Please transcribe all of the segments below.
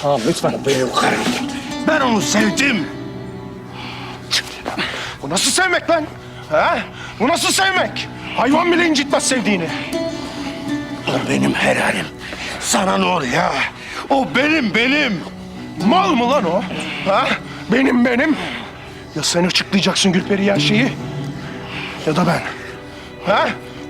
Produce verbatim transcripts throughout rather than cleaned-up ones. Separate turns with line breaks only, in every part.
Tamam lütfen.
Benim karım. Ben onu sevdim. Bu nasıl sevmek lan? Ha? Bu nasıl sevmek? Hayvan bile incitmez sevdiğini. O benim helalim. Sana ne oluyor? O benim, benim. Mal mı lan o? Ha? Benim, benim. Ya sen açıklayacaksın Gülperi her şeyi ya da ben. Ha?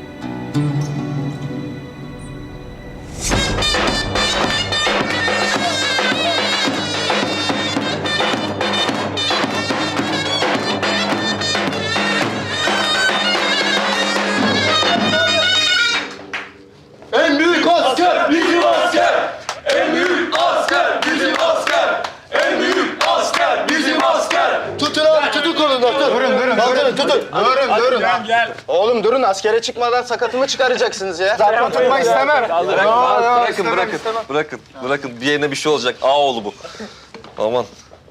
En büyük asker bizim asker. En büyük asker bizim asker. En büyük asker bizim asker.
Tutun abi, tutun kolundan, tut. Durun, durun, durun, tutun. Durun, durun.
Gel gel.
Oğlum durun, askere çıkmadan sakatımı çıkaracaksınız ya.
Zaten tutmak istemem.
Bırakın, bırakın, bırakın, bırakın. Bir yerine bir şey olacak. Ağoğlu bu. Aman.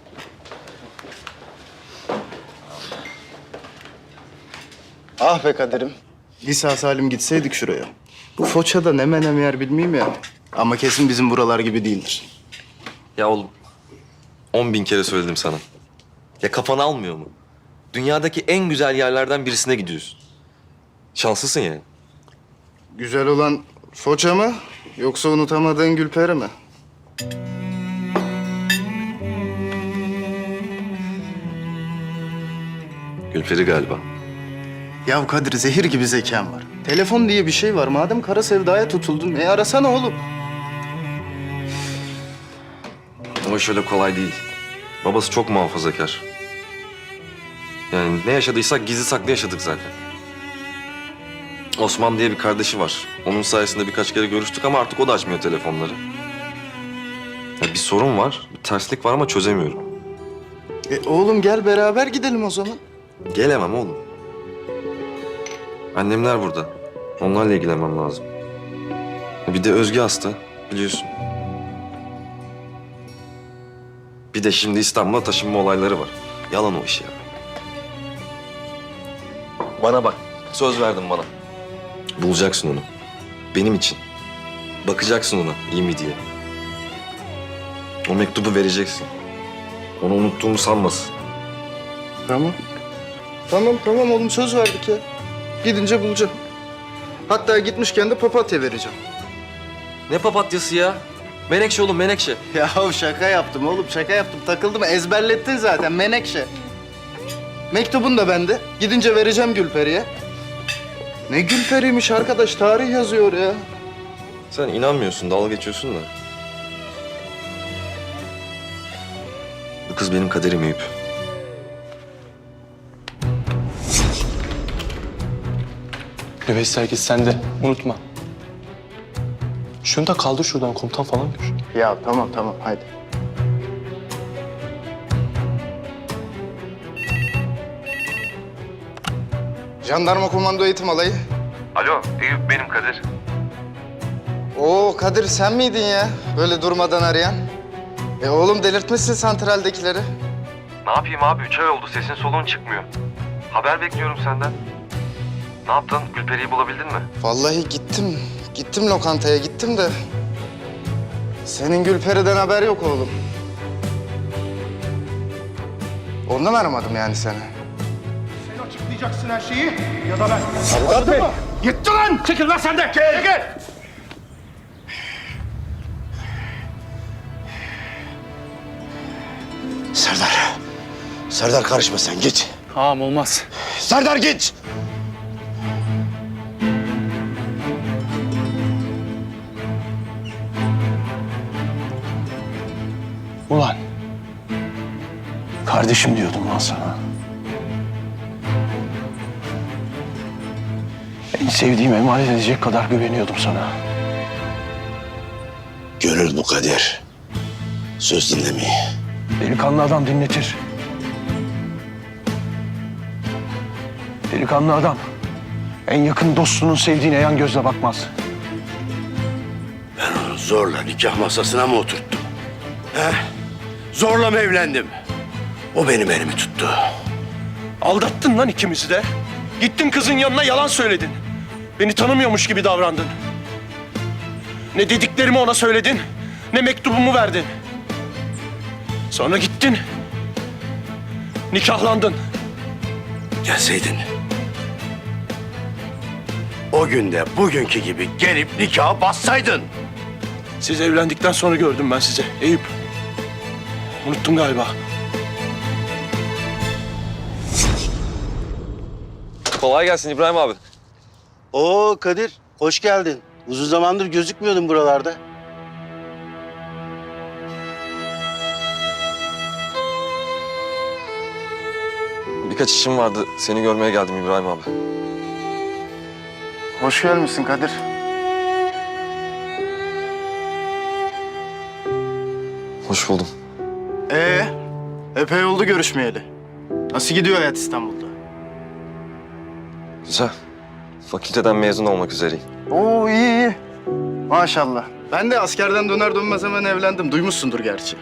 Ah be Kadir'im. Lisa salim gitseydik şuraya. Bu Foça'da ne menem yer bilmeyeyim ya. Ama kesin bizim buralar gibi değildir.
Ya oğlum, on bin kere söyledim sana. Ya kafanı almıyor mu? Dünyadaki en güzel yerlerden birisine gidiyorsun. Şanslısın yani.
Güzel olan Foça mı yoksa unutamadığın Gülperi mi?
Gülperi galiba.
Ya Kadir, zehir gibi zekan var. Telefon diye bir şey var. Madem kara sevdaya tutuldun, e arasana oğlum.
Ama şöyle kolay değil. Babası çok muhafazakar. Yani ne yaşadıysak gizli saklı yaşadık zaten. Osman diye bir kardeşi var. Onun sayesinde birkaç kere görüştük ama artık o da açmıyor telefonları. Ya bir sorun var, bir terslik var ama çözemiyorum.
E oğlum gel beraber gidelim o zaman.
Gelemem oğlum. Annemler burada. Onlarla ilgilenmem lazım. Bir de Özge hasta, biliyorsun. Bir de şimdi İstanbul'a taşınma olayları var. Yalan o iş ya. Bana bak, söz verdin bana. Bulacaksın onu. Benim için. Bakacaksın ona, iyi mi diye. O mektubu vereceksin. Onu unuttuğumu sanmasın.
Tamam. Tamam tamam oğlum, söz verdik ya. Gidince bulacağım. Hatta gitmişken de papatya vereceğim.
Ne papatyası ya? Menekşe oğlum, menekşe.
Ya şaka yaptım oğlum, şaka yaptım. Takıldım, ezberlettin zaten, menekşe. Mektubun da bende. Gidince vereceğim Gülperi'ye. Ne Gülperi'ymiş arkadaş, tarih yazıyor ya.
Sen inanmıyorsun, dalga geçiyorsun da. Bu kız benim kaderim Eyüp.
Nüveysi herkes sende. Unutma. Şunu da kaldır şuradan, komutan falan gör.
Ya tamam tamam, haydi. Jandarma komando eğitim alayı.
Alo, Eyüp benim Kadir.
Oo Kadir, sen miydin ya? Böyle durmadan arayan. E oğlum, delirtmişsin santraldekileri.
Ne yapayım abi? Üç ay oldu. Sesin soluğun çıkmıyor. Haber bekliyorum senden. Ne yaptın? Gülperi'yi bulabildin mi?
Vallahi gittim. Gittim lokantaya gittim de. Senin Gülperi'den haber yok oğlum. Ondan aramadım yani seni.
Sen açıklayacaksın her şeyi ya da ben. Avukat Bey. Gitti lan. Çekil lan sen de. Gel gel.
Serdar. Serdar karışma sen git.
Ağam olmaz.
Serdar git.
Ulan. Kardeşim diyordum lan sana. En sevdiğim emanet edecek kadar güveniyordum sana.
Gönül bu kader. Söz dinlemeyi.
Delikanlı adam dinletir. Delikanlı adam en yakın dostunun sevdiğine yan gözle bakmaz.
Ben onu zorla nikah masasına mı oturttum? He? Zorla mı evlendim? O benim elimi tuttu.
Aldattın lan ikimizi de. Gittin kızın yanına yalan söyledin. Beni tanımıyormuş gibi davrandın. Ne dediklerimi ona söyledin, ne mektubumu verdin. Sonra gittin. Nikahlandın.
Gelseydin. O günde bugünkü gibi gelip nikaha bassaydın.
Siz evlendikten sonra gördüm ben sizi Eyüp. Unuttun galiba.
Kolay gelsin İbrahim abi.
Oo Kadir, hoş geldin. Uzun zamandır gözükmüyordun buralarda.
Birkaç işim vardı. Seni görmeye geldim İbrahim abi.
Hoş gelmişsin Kadir.
Hoş buldum.
Ee, epey oldu görüşmeyeli. Nasıl gidiyor hayat İstanbul'da?
Güzel. Fakülteden mezun olmak üzereyim.
Oo iyi iyi. Maşallah. Ben de askerden döner dönmez hemen evlendim. Duymuşsundur gerçi.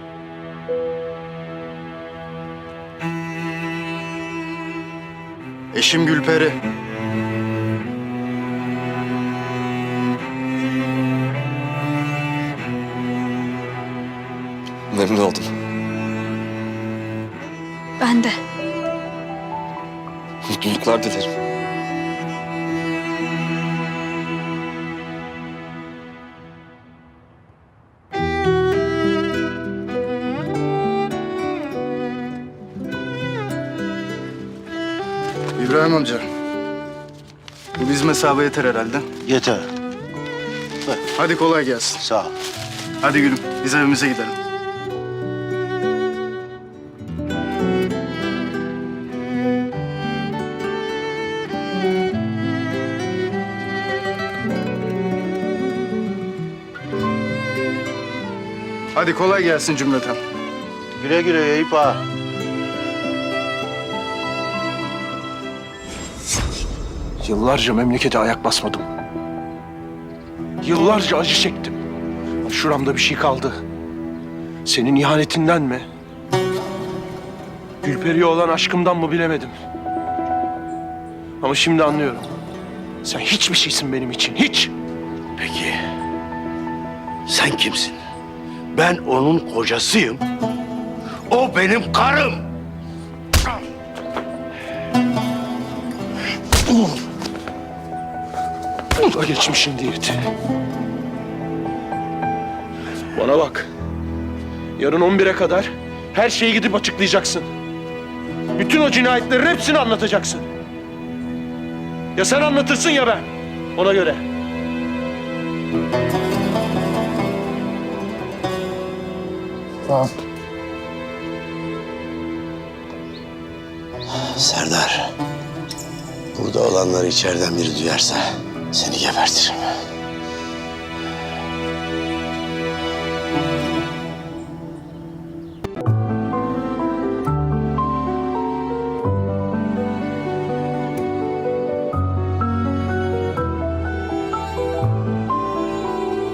Eşim Gülperi.
Memnun oldum.
Ben de.
Mutluluklar dilerim.
İbrahim amca. Bu bizim hesaba yeter herhalde.
Yeter.
Hadi kolay gelsin.
Sağ ol.
Hadi gülüm, biz evimize gidelim. Hadi kolay gelsin cümleten.
Güle güle Eyüp ağa.
Yıllarca memlekete ayak basmadım. Yıllarca acı çektim. Şuramda bir şey kaldı. Senin ihanetinden mi? Gülperi'ye olan aşkımdan mı bilemedim. Ama şimdi anlıyorum. Sen hiçbir şeysin benim için, hiç.
Peki sen kimsin? Ben onun kocasıyım. O benim karım.
Bu da geçmişin diyeti. Bana bak. Yarın on bire kadar her şeyi gidip açıklayacaksın. Bütün o cinayetlerin hepsini anlatacaksın. Ya sen anlatırsın ya ben. Ona göre.
Serdar, burada olanları içeriden biri duyarsa seni gebertirim.